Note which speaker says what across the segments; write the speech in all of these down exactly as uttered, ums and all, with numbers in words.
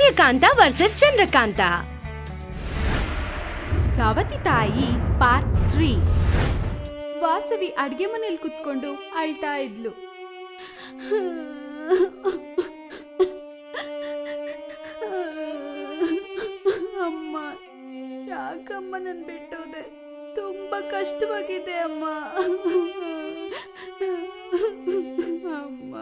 Speaker 1: ಸೂರ್ಯಕಾಂತ versus Chandrakanta.
Speaker 2: ಸವತಿ ತಾಯಿ part three. Vasavi ಅಡ್ಗೆ ಮನೇಲಿ ಕುತ್ಕೊಂಡು ಅಳ್ತಾ ಇದ್ಲು. ಅಮ್ಮ, ಯಾಕಮ್ಮ ನನ್ ಬಿಟ್ಟೋದೆ? ತುಂಬಾ ಕಷ್ಟವಾಗಿದೆ ಅಮ್ಮ. ಅಮ್ಮ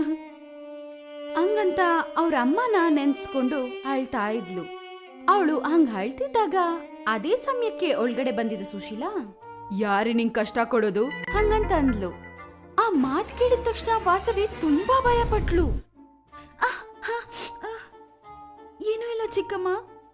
Speaker 2: ಹಂಗಂತ ಅವ್ರ ಅಮ್ಮನ ನೆನ್ಸ್ಕೊಂಡು ಅಳ್ತಾ ಇದ್ಲು. ಅವಳು ಹಂಗ ಅಳ್ತಿದ್ದಾಗ ಅದೇ ಸಮಯಕ್ಕೆ ಒಳಗಡೆ ಬಂದಿದ್ದ ಸುಶೀಲಾ, ಯಾರಿ ನಿಂಗ್ ಕಷ್ಟ ಕೊಡೋದು ಹಂಗಂತ ಅಂದ್ಲು. ಆ ಮಾತ್ ಕೇಳಿದ ತಕ್ಷಣ ವಾಸವಿ ತುಂಬಾ ಭಯ ಪಟ್ಲು. ಏನೂ ಇಲ್ಲ ಚಿಕ್ಕಮ್ಮ,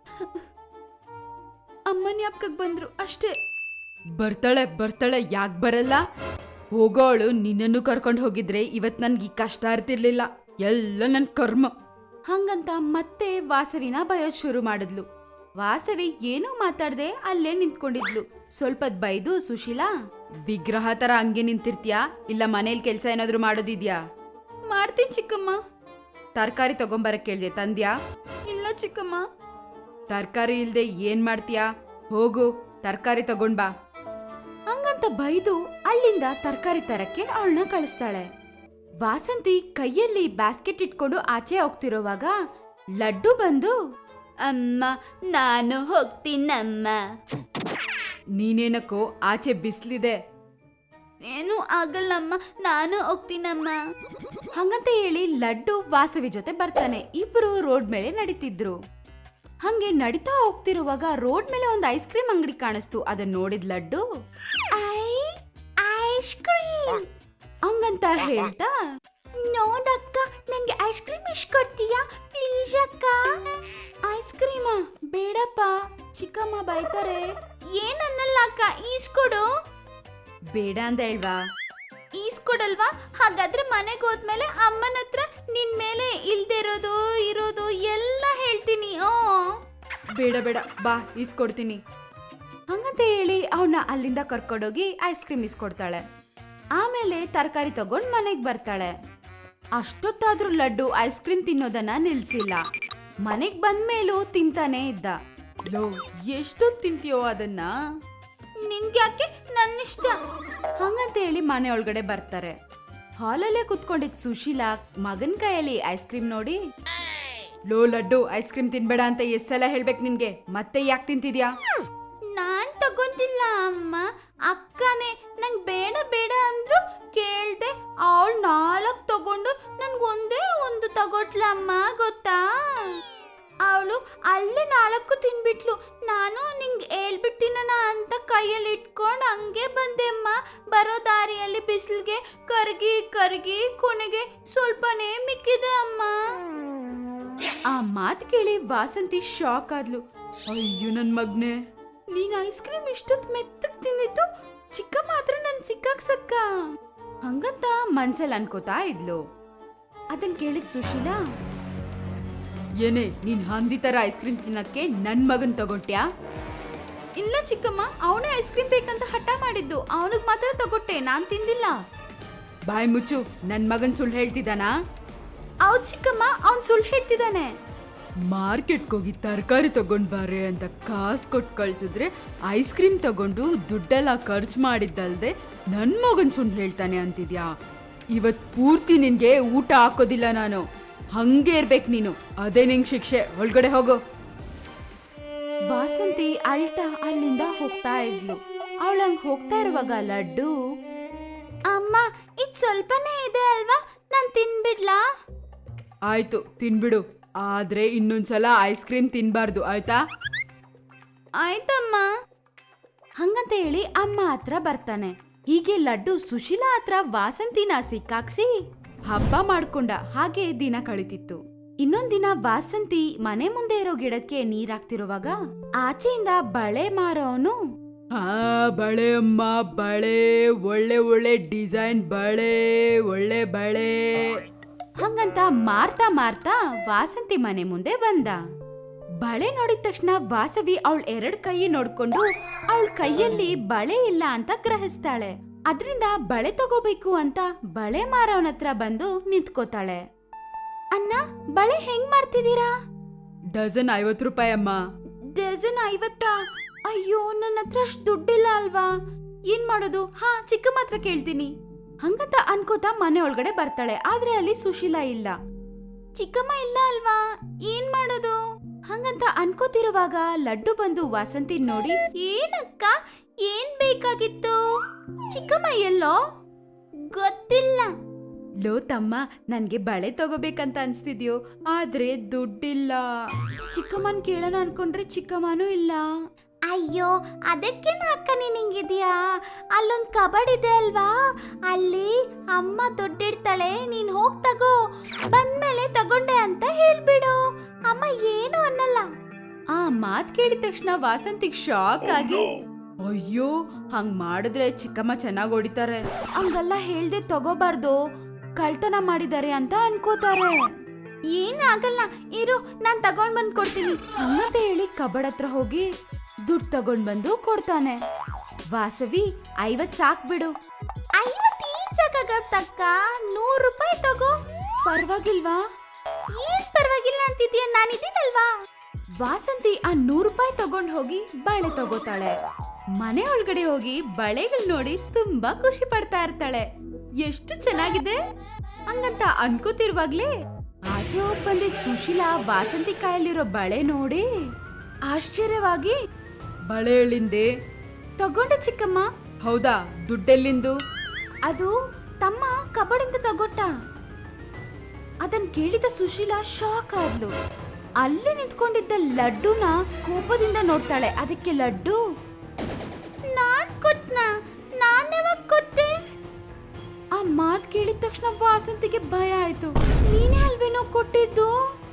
Speaker 2: ಅಮ್ಮನ ಜ್ಞಾಪಕಕ್ಕೆ ಬಂದ್ರು ಅಷ್ಟೇ. ಬರ್ತಾಳೆ ಬರ್ತಾಳೆ, ಯಾಕೆ ಬರಲ್ಲ? ಹೋಗೋಳು ನಿನ್ನನ್ನು ಕರ್ಕೊಂಡು ಹೋಗಿದ್ರೆ ಇವತ್ ನನ್ಗೆ ಈ ಕಷ್ಟ ಇರ್ತಿರ್ಲಿಲ್ಲ, ಎಲ್ಲ ನನ್ ಕರ್ಮ. ಹಂಗಂತ ಮತ್ತೆ ವಾಸವಿನ ಬಯೋದ್ ಶುರು ಮಾಡಿದ್ಲು. ವಾಸವಿ ಏನೂ ಮಾತಾಡ್ದೆ ಅಲ್ಲೇ ನಿಂತ್ಕೊಂಡಿದ್ಲು. ಸ್ವಲ್ಪದ್ ಬೈದು, ಸುಶೀಲಾ, ವಿಗ್ರಹ ತರ ಹಂಗೆ ನಿಂತಿರ್ತೀಯಾ, ಇಲ್ಲ ಮನೇಲಿ ಕೆಲ್ಸ ಏನಾದ್ರು ಮಾಡೋದಿದ್ಯಾ? ಮಾಡ್ತೀನಿ ಚಿಕ್ಕಮ್ಮ. ತರಕಾರಿ ತಗೊಂಬರಕ್ ಕೇಳ್ದೆ, ತಂದ್ಯಾ? ಇಲ್ಲ ಚಿಕ್ಕಮ್ಮ. ತರಕಾರಿ ಇಲ್ದೆ ಏನ್ ಮಾಡ್ತೀಯಾ? ಹೋಗು ತರಕಾರಿ ತಗೊಂಡ್ ಬಾ. ಹಂಗಂತ ಬೈದು ಅಲ್ಲಿಂದ ತರಕಾರಿ ತರಕ್ಕೆ ಅವಳನ್ನ ಕಳಿಸ್ತಾಳೆ. ವಾಸಂತಿ ಕೈಯಲ್ಲಿ ಬ್ಯಾಸ್ಕೆಟ್ ಇಟ್ಕೊಂಡು ಆಚೆ ಹೋಗ್ತಿರೋವಾಗ ಲಡ್ಡು ಬಂದು, ಅಮ್ಮ ನಾನು ಹೋಗ್ತೀನಮ್ಮ. ನೀನೇನಕ್ಕೋ ಆಚೆ ಬಿಸ್ಲಿದೆ. ಏನೂ ಆಗಲ್ಲಮ್ಮ, ನಾನು ಹೋಗ್ತೀನಮ್ಮ. ಹಂಗಂತ ಹೇಳಿ ಲಡ್ಡು ವಾಸವಿ ಜೊತೆ ಬರ್ತಾನೆ. ಇಬ್ರು ರೋಡ್ ಮೇಲೆ ನಡೀತಿದ್ರು. ಹಂಗೆ ನಡೀತಾ ಹೋಗ್ತಿರುವಾಗ ರೋಡ್ ಮೇಲೆ ಒಂದು ಐಸ್ ಕ್ರೀಮ್ ಅಂಗಡಿ ಕಾಣಿಸ್ತು. ಅದನ್ನ ನೋಡಿದ್ ಲಡ್ಡು, ಐಸ್ ಕ್ರೀಮ್ ಹಂಗಂತ ಹೇಳ್ತಾ, ನೋಡಕ್ಕ, ನಂಗೆ ಐಸ್ ಕ್ರೀಮ್ ಇಷ್ಟ ಕೊಡ್ತೀಯಾ ಪ್ಲೀಸ್ ಅಕ್ಕ? ಐಸ್ ಕ್ರೀಮಾ? ಬೇಡಪ್ಪ, ಚಿಕ್ಕಮ್ಮ ಬೈತಾರೆ. ಏನನ್ನಲ್ಲ ಅಕ್ಕ, ಈಸ್ಕೊಡು. ಬೇಡ ಅಂದ ಹೇಳ್ವಾ? ಈಸ್ಕೊಡಲ್ವಾ? ಹಾಗಾದ್ರೆ ಮನೆಗೆ ಹೋದ್ಮೇಲೆ ಅಮ್ಮನ ಹತ್ರ ನಿನ್ ಮೇಲೆ ಇಲ್ದೇ ಇರೋದು ಇರೋದು ಎಲ್ಲ ಹೇಳ್ತೀನಿ. ಓ ಬೇಡ ಬೇಡ, ಬಾ ಈಸ್ಕೊಡ್ತೀನಿ. ಹಂಗಂತ ಹೇಳಿ ಅವನ್ನ ಅಲ್ಲಿಂದ ಕರ್ಕೊಂಡೋಗಿ ಐಸ್ ಕ್ರೀಮ್ ಇಸ್ಕೊಡ್ತಾಳೆ. ಆಮೇಲೆ ತರಕಾರಿ ತಗೊಂಡ್ ಮನೆಗ್ ಬರ್ತಾಳೆ. ಅಷ್ಟೊತ್ತಾದ್ರೂ ಲಡ್ಡು ಐಸ್ ಕ್ರೀಮ್ ತಿನ್ನೋದನ್ನ ನಿಲ್ಸಿಲ್ಲ. ಮನೆಗ್ ಬಂದ್ಮೇಲೂ ತಿಂತಾನೆ ಇದ್ದ. ಲೋ, ಎಷ್ಟೊತ್ತು ತಿಂತೀಯೋ ಅದನ್ನ? ನಿನ್ಗ್ಯಾಕೆ, ನನ್ನಿಷ್ಟ. ಹಂಗಂತ ಹೇಳಿ ಮನೆ ಒಳಗಡೆ ಬರ್ತಾರೆ. ಹಾಲಲ್ಲೇ ಕುತ್ಕೊಂಡಿದ್ ಸುಶೀಲಾ ಮಗನ್ ಕೈಯಲ್ಲಿ ಐಸ್ ಕ್ರೀಮ್ ನೋಡಿ, ಲೋ ಲಡ್ಡು, ಐಸ್ ಕ್ರೀಮ್ ತಿನ್ಬೇಡ ಅಂತ ಎಷ್ಟ್ ಸಲ ಹೇಳ್ಬೇಕು ನಿನ್ಗೆ, ಮತ್ತೆ ಯಾಕೆ ತಿಂತಿದ್ಯಾ? ನಾನ್ ತಗೊಂತಿಲ್ಲ ಅಮ್ಮ, ಅಕ್ಕನೇ ನಂಗ್ ಬೇಡ ಬೇಡ ಅಂದ್ರು ಕೇಳ್ದೆ. ಅವಳು ನಾಲ್ಕು ತಗೊಂಡು ನನ್ಗೆ ಒಂದೇ ಒಂದು ತಗೊಟ್ಲ ಅಮ್ಮ, ಗೊತ್ತಾ? ಅವಳು ಅಲ್ಲೇ ನಾಲ್ಕು ತಿನ್ಬಿಟ್ಲು. ನಾನು ನಿಂಗೆ ಹೇಳ್ಬಿಡ್ತೀನಣ್ಣ ಅಂತ ಕೈಯಲ್ಲಿ ಇಟ್ಕೊಂಡು ಹಂಗೆ ಬಂದೆ ಅಮ್ಮ. ಬರೋ ದಾರಿಯಲ್ಲಿ ಬಿಸಿಲಿಗೆ ಕರ್ಗಿ ಕರ್ಗಿ ಕೊನೆಗೆ ಸ್ವಲ್ಪನೇ ಮಿಕ್ಕಿದೆ ಅಮ್ಮ. ಆ ಮಾತು ಕೇಳಿ ವಾಸಂತಿ ಶಾಕ್ ಆದ್ಲು. ಅಯ್ಯೋ ನನ್ ಮಗ್ನೆ, ನೀನ್ ಐಸ್ ಕ್ರೀಮ್ ಇಷ್ಟೊತ್ತು ಮೆತ್ತಗ್ ತಿಂದಿತ್ತು, ಚಿಕ್ಕ ಮಾತ್ರ ನನ್ ಸಿಕ್ಕಾಕ್ಸಕ್ಕ ಹಂಗಂತ ಮನ್ಸಲ್ಲಿ ಅನ್ಕೋತಾ ಇದ್ಲು. ಅದನ್ ಕೇಳಿದ್ ಸುಶೀಲಾ, ಏನೇ ನೀನ್ ಹಂದಿ ತರ ಐಸ್ ಕ್ರೀಮ್ ತಿನ್ನಕ್ಕೆ ನನ್ ಮಗನ್ ತಗೊಟ್ಯಾ? ಇಲ್ಲ ಚಿಕ್ಕಮ್ಮ, ಅವನೇ ಐಸ್ ಕ್ರೀಮ್ ಬೇಕಂತ ಹಠ ಮಾಡಿದ್ದು, ಅವನಿಗೆ ಮಾತ್ರ ತಗೊಟ್ಟೆ, ನಾನ್ ತಿಂದಿಲ್ಲ. ಬಾಯ್ ಮುಚ್ಚು, ನನ್ ಮಗನ್ ಸುಳ್ಳು ಹೇಳ್ತಿದ್ದಾನಾ? ಹೌದ್ ಚಿಕ್ಕಮ್ಮ, ಅವನ್ ಸುಳ್ಳು ಹೇಳ್ತಿದ್ದಾನೆ. ಮಾರ್ಕೆಟ್ಗೆ ಹೋಗಿ ತರಕಾರಿ ತಗೊಂಡ್ ಬಾರೆ ಅಂತ ಕಾಸು ಕೊಟ್ಟು ಕಳ್ಸಿದ್ರೆ ಐಸ್ ಕ್ರೀಮ್ ತಗೊಂಡು ದುಡ್ಡೆಲ್ಲ ಖರ್ಚು ಮಾಡಿದ್ದಲ್ದೆ ನನ್ ಮಗನ್ ಸುಳ್ಳು ಹೇಳ್ತಾನೆ ಅಂತಿದ್ಯಾ? ಇವತ್ ಪೂರ್ತಿ ನಿನ್ಗೆ ಊಟ ಹಾಕೋದಿಲ್ಲ ನಾನು, ಹಂಗೆ ಇರ್ಬೇಕು ನೀನು, ಅದೇ ನಿಂಗ್ ಶಿಕ್ಷೆ. ಒಳಗಡೆ ಹೋಗು. ವಾಸಂತಿ ಅಳ್ತಾ ಅಲ್ಲಿಂದ ಹೋಗ್ತಾ ಇದ್ಲು. ಅವಳಂಗ್ ಹೋಗ್ತಾ ಇರುವಾಗ ಲಡ್ಡು, ಅಮ್ಮ ಇದ್ ಸ್ವಲ್ಪನೇ ಇದೆ ಅಲ್ವಾ, ನಾನ್ ತಿನ್ಬಿಡ್ಲಾ? ಆಯ್ತು ತಿನ್ಬಿಡು, ಆದ್ರೆ ಇನ್ನೊಂದ್ಸಲ ಐಸ್ ಕ್ರೀಮ್ ತಿನ್ಬಾರ್ದು, ಆಯ್ತಾ? ಆಯ್ತಮ್ಮ. ಹಂಗಂತ ಹೇಳಿ ಅಮ್ಮ ಹತ್ರ ಬರ್ತಾನೆ. ಹೀಗೆ ಲಡ್ಡು ಸುಶೀಲಾ ಹತ್ರ ವಾಸಂತಿನ ಸಿಕ್ಕಾಕ್ಸಿ ಹಬ್ಬ ಮಾಡ್ಕೊಂಡ ಹಾಗೆ ದಿನ ಕಳಿತಿತ್ತು. ಇನ್ನೊಂದ್ ದಿನ ವಾಸಂತಿ ಮನೆ ಮುಂದೆ ಇರೋ ಗಿಡಕ್ಕೆ ನೀರ್ ಹಾಕ್ತಿರುವಾಗ ಆಚೆಯಿಂದ ಬಳೆ ಮಾರೋನು, ಹಾ ಬಳೆ ಅಮ್ಮ ಬಳೆ, ಒಳ್ಳೆ ಒಳ್ಳೆ ಡಿಸೈನ್ ಬಳೆ, ಒಳ್ಳೆ ಬಳೆ ಹಂಗಂತ ಮಾರ್ತಾ ಮಾರ್ತಾ ವಾಸಂತಿ ಮನೆ ಮುಂದೆ ಬಂದ. ಬಳೆ ನೋಡಿದ ತಕ್ಷಣ ವಾಸವಿ ಅವಳ ಎರಡ್ ಕೈ ನೋಡ್ಕೊಂಡು ಅವಳ ಕೈಯಲ್ಲಿ ಬಳೆ ಇಲ್ಲ ಅಂತ ಗ್ರಹಿಸ್ತಾಳೆ. ಅದ್ರಿಂದ ಬಳೆ ತಗೋಬೇಕು ಅಂತ ಬಳೆ ಮಾರವನ ಹತ್ರ ಬಂದು ನಿಂತ್ಕೋತಾಳೆ. ಅಣ್ಣ, ಬಳೆ ಹೆಂಗ್ ಮಾಡ್ತಿದ್ದೀರಾ?
Speaker 3: ಡಜನ್ ಐವತ್ತು ರೂಪಾಯಿ ಅಮ್ಮ.
Speaker 2: ಡಜನ್ ಐವತ್ತಾ? ಅಯ್ಯೋ ನನ್ನ ಹತ್ರ ಅಷ್ಟು ದುಡ್ಡಿಲ್ಲ ಅಲ್ವಾ, ಏನ್ ಮಾಡೋದು? ಹಾ ಚಿಕ್ಕಮ್ಮ ಹತ್ರ ಕೇಳ್ತೀನಿ ಹಂಗಂತ ಅನ್ಕೋತಾ ಮನೆ ಒಳಗಡೆ ಬರ್ತಾಳೆ. ಆದ್ರೆ ಅಲ್ಲಿ ಸುಶೀಲಾ ಇಲ್ಲ. ಚಿಕ್ಕಮ್ಮ ಇಲ್ಲ ಅಲ್ವಾ, ಏನ್ ಮಾಡೋದು ಹಂಗಂತ ಅನ್ಕೋತಿರುವಾಗ ಲಡ್ಡು ಬಂದು ವಾಸಂತಿ ನೋಡಿ, ಏನಕ್ಕ ಏನ್ ಬೇಕಾಗಿತ್ತು? ಚಿಕ್ಕಮ್ಮ ಎಲ್ಲೋ ಗೊತ್ತಿಲ್ಲ. ಲೋ ತಮ್ಮ, ನನ್ಗೆ ಬಳೆ ತಗೋಬೇಕಂತ ಅನ್ಸ್ತಿದ್ಯೋ, ಆದ್ರೆ ದುಡ್ಡಿಲ್ಲ. ಚಿಕ್ಕಮ್ಮನ್ ಕೇಳೋಣ ಅನ್ಕೊಂಡ್ರೆ ಚಿಕ್ಕಮ್ಮನೂ ಇಲ್ಲ. ಅಯ್ಯೋ ಅದಕ್ಕೇನು ಅಕ್ಕ ನೀನ್ ಹಿಂಗಿದ್ಯಾ? ಅಲ್ಲೊಂದ್ ಕಬಡ್ ಇದೆ ಅಲ್ವಾ, ಅಲ್ಲಿ ಅಮ್ಮ ದುಡ್ಡಿಡ್ತಾಳೆ, ನೀನ್ ಹೋಗ್ ತಗೋ, ಬಂದ್ಮೇಲೆ ತಗೊಂಡೆ ಅಂತ ಹೇಳ್ಬಿಡು, ಅಮ್ಮ ಏನು ಅನ್ನಲ್ಲ. ಆ ಮಾತ್ ಕೇಳಿದ ತಕ್ಷಣ ವಾಸಂತಿಗ್ ಶಾಕ್ ಆಗಿ, ಅಯ್ಯೋ ಹಂಗ್ ಮಾಡಿದ್ರೆ ಚಿಕ್ಕಮ್ಮ ಚೆನ್ನಾಗ್ ಹೊಡಿತಾರೆ, ಹಂಗಲ್ಲ ಹೇಳ್ದೆ ತಗೋಬಾರ್ದು, ಕಳ್ತನ ಮಾಡಿದ್ದಾರೆ ಅಂತ ಅನ್ಕೋತಾರೆ. ಏನಾಗಲ್ಲ ಇರು, ನಾನ್ ತಗೊಂಡ್ ಬಂದ್ ಕೊಡ್ತೀನಿ ಹಂಗಂತ ಹೇಳಿ ಕಬಡ್ ಹತ್ರ ಹೋಗಿ ದುಡ್ಡು ತಗೊಂಡ್ ಬಂದು ಕೊಡ್ತಾನೆ. ವಾಸವಿ ಐವತ್ ಸಾಕ್ ಬಿಡು. ಐವತ್ತೇನ್ ಸಾಕಾಗತ್ತಕ್ಕ, ನೂರು ರೂಪಾಯಿ ತಗೋ. ಪರವಾಗಿಲ್ವಾ? ಏನ್ ಪರವಾಗಿಲ್ಲ ಅಂತಿದ್ಯಾ, ನಾನಿದ್ದೀನಲ್ವಾ. ವಾಸಂತಿ ಆ ನೂರು ರೂಪಾಯಿ ತಗೊಂಡ್ ಹೋಗಿ ಬಳೆ ತಗೋತಾಳೆ. ಮನೆ ಒಳಗಡೆ ಹೋಗಿ ಬಳೆಗಳು ನೋಡಿ ತುಂಬಾ ಖುಷಿ ಪಡ್ತಾ ಇರ್ತಾಳೆ. ಎಷ್ಟು ಚೆನ್ನಾಗಿದೆ ಹಂಗಂತ ಅನ್ಕೋತಿರುವಾಗ್ಲೇ ಆಚೆ ಹೋಗ್ ಬಂದಿದ್ ಸುಶೀಲಾ ವಾಸಂತಿ ಕಾಯಲ್ಲಿರೋ ಬಳೆ ನೋಡಿ ಆಶ್ಚರ್ಯವಾಗಿ,
Speaker 3: ಬಳೆ ಎಲ್ಲಿಂದೆ?
Speaker 2: ತಗೊಂಡೆ ಚಿಕ್ಕಮ್ಮ.
Speaker 3: ಹೌದಾ, ದುಡ್ಡೆಲ್ಲಿಂದು?
Speaker 2: ಅದು ತಮ್ಮ ಕಬಡಿಂದ ತಗೊಟ್ಟ. ಅದನ್ ಕೇಳಿದ ಸುಶೀಲಾ ಶಾಕ್ ಆದ್ಲು. ಅಲ್ಲಿ ನಿಂತ್ಕೊಂಡಿದ್ದ ಲಡ್ಡುನ ಕೋಪದಿಂದ ನೋಡ್ತಾಳೆ. ಅದಕ್ಕೆ ಲಡ್ಡು, ನಾನ್ ಕೊಟ್ನ, ನಾನ್ ಯಾವಾಗ ಕೊಟ್ಟೆ? ಆ ಮಾತ್ ಕೇಳಿದ ತಕ್ಷಣ ವಾಸಂತಿಗೆ ಭಯ ಆಯ್ತು. ನೀನೇ ಅಲ್ವೇನೋ ಕೊಟ್ಟಿದ್ದು?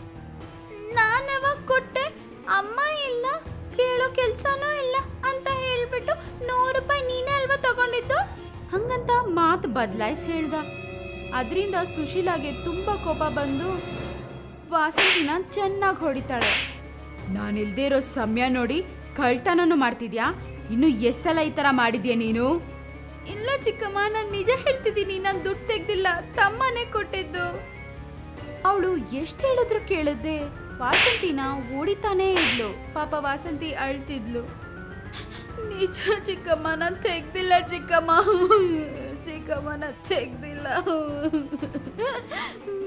Speaker 2: ನಾನ್ ಯಾವಾಗ ಕೊಟ್ಟೆ? ಅಮ್ಮ ಇಲ್ಲ, ಕೇಳೋ ಕೆಲ್ಸನೂ ಇಲ್ಲ ಅಂತ ಹೇಳ್ಬಿಟ್ಟು ನೂರು ರೂಪಾಯಿ ನೀನೇ ಅಲ್ವಾ ತಗೊಂಡಿದ್ದು ಹಂಗಂತ ಮಾತು ಬದಲಾಯಿಸಿ ಹೇಳ್ದ. ಅದರಿಂದ ಸುಶೀಲಾಗೆ ತುಂಬಾ ಕೋಪ ಬಂದು ವಾಸಂತಿನ ಚೆನ್ನಾಗಿ ಹೊಡಿತಾಳೆ.
Speaker 3: ನಾನಿಲ್ದೇ ಇರೋ ಸಮಯ ನೋಡಿ ಕಳ್ತನನು ಮಾಡ್ತಿದ್ಯಾ? ಇನ್ನು ಎಷ್ಟ್ ಸಲ ಈ ತರ ಮಾಡಿದ್ಯಾ ನೀನು?
Speaker 2: ಇಲ್ಲ ಚಿಕ್ಕಮ್ಮ, ನಾನು ನಿಜ ಹೇಳ್ತಿದ್ದೀನಿ, ನಾನು ದುಡ್ಡು ತೆಗ್ದಿಲ್ಲ, ತಮ್ಮನೇ ಕೊಟ್ಟಿದ್ದು. ಅವಳು ಎಷ್ಟು ಹೇಳಿದ್ರು ಕೇಳದೆ ವಾಸಂತಿನ ಓಡಿತಾನೇ ಇದ್ಲು. ಪಾಪ ವಾಸಂತಿ ಅಳ್ತಿದ್ಲು. ನಿಜ ಚಿಕ್ಕಮ್ಮ, ನಾನು ತೆಗ್ದಿಲ್ಲ ಚಿಕ್ಕಮ್ಮ, ಚಿಕ್ಕಮ್ಮ ನಾನು ತೆಗ್ದಿಲ್ಲ.